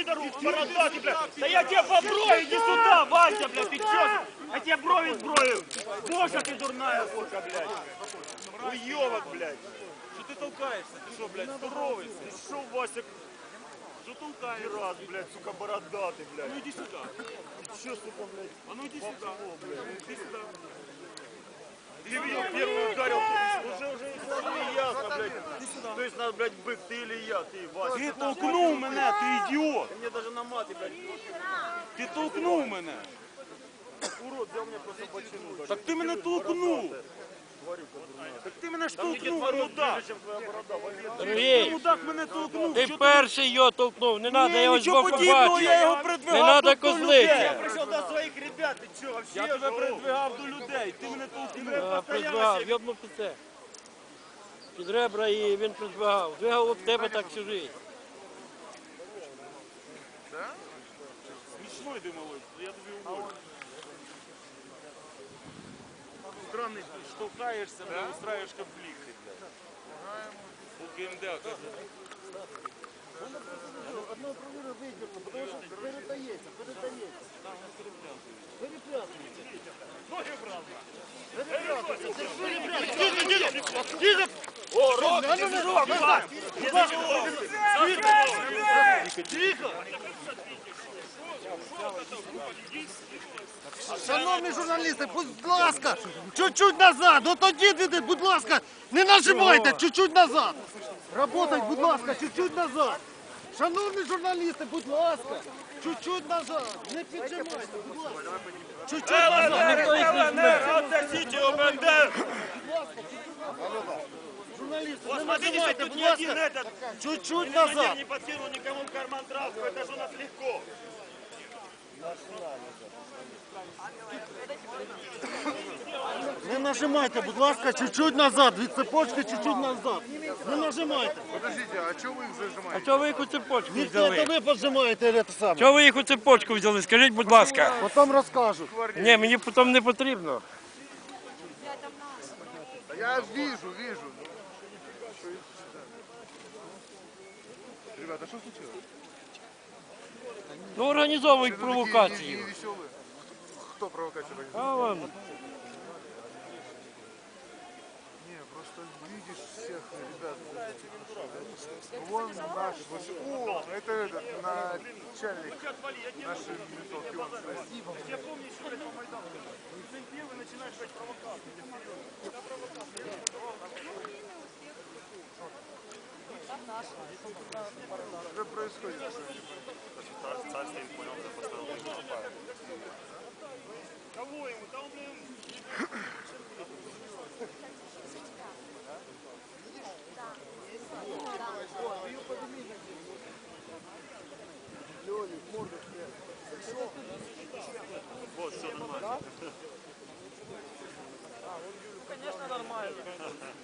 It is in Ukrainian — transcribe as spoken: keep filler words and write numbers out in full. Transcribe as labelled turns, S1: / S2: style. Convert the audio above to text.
S1: пидору, бородатый, блядь. Да я тебе поброю, иди сюда, Вася, блядь, ты чё? Я тебе брови сброю. Боже, ты дурная курка, блядь. Уёбок, блядь.
S2: Что ты толкаешься? Ты что, блядь, здоровый?
S1: Ты шо, Вася,
S2: Что толкаешься?
S1: раз, блядь, сука, бородатый,
S2: А
S1: блядь.
S2: ну иди сюда.
S1: Ты чё, сука, блядь?
S2: А ну иди сюда. Иди сюда.
S1: Ты меня первый ударил, уже, уже, уже не ясно, блядь. То есть надо, блядь, бык, ты или я, ты, Вася.
S2: Ти толкнув мене, ти ідіот.
S1: Ты мне даже на маты, блядь,
S2: Ти толкнув мене.
S1: урод, взял мне просто бочину.
S2: Так ти мене толкнув. Так ти мене штовхнув, мудак.
S3: Сергій,
S2: Мудак мене толкнув.
S3: ти
S2: Чого
S3: перший його толкнув, не треба, я його
S2: нічого
S3: збоку
S2: подібного,
S3: бачу.
S2: я його
S3: Не
S2: придвигав
S3: треба
S2: до людей.
S1: Я
S3: козлити.
S1: пришел до своих ребят, ты чё, вообще?
S2: Я тебе
S1: живу?
S2: придвигав до людей, ти мене толкнув.
S3: А, Придвигав, йобнув під це. Під ребра і він придвигав. Двигав об тебе так всю життя.
S2: Смішно йди, малой, я тобі уволю. Странний, ти штовхаєшся, блядь, устраєш конфлікти, блядь. У КМД, каже.
S4: Одного провіру вийдемо, тому що передається, передається. Перепрятується.
S1: О, рот,
S4: Тихо! Шановні журналісти, будь ласка, чуть-чуть назад, от тоді, діти, будь ласка, не нажимайте, чуть-чуть назад. Работать, будь ласка, чуть-чуть назад. Шановні журналісти, будь ласка, чуть-чуть назад, не піджимайте, будь ласка. Чуть-чуть назад.
S3: Ніхто їх не жме.
S1: отдайте ОБНД.
S4: Журналісти,
S1: Вот
S4: не
S1: смотрите,
S4: нажимайте,
S1: тут
S4: будь
S1: ни один
S4: ласка,
S1: этот
S4: чуть-чуть
S1: милиционер
S4: назад.
S1: не подкинул никому в карман травку, это же у нас легко.
S4: Не нажимайте, будь ласка, чуть-чуть назад, від цепочки чуть-чуть назад. Не нажимайте.
S5: Подождите, а что вы их зажимаете?
S3: А чого ви їх у цепочку
S4: Від це
S3: взяли?
S4: ви поджимаєте це саме.
S3: Чого ви їх у цепочку взяли? Скажіть, будь ласка.
S4: Потім розкажу.
S3: Ні, мені потім не потрібно.
S5: Да я вижу, вижу. Ребята, что случилось?
S3: Ну, організовують
S5: Вы такие
S3: провокацію.
S5: не- не веселые. Кто провокацию организовал?
S3: А вон.
S5: Не, просто видишь всех ребят. Вон наш, вот- о, это этот, начальник нашей ментовки, он стоит.
S1: Я помню еще этого Майдана. Ты первый начинаешь брать провокацию.
S5: Что происходит?
S1: Кого ему? Там, блин, вот, все нормально.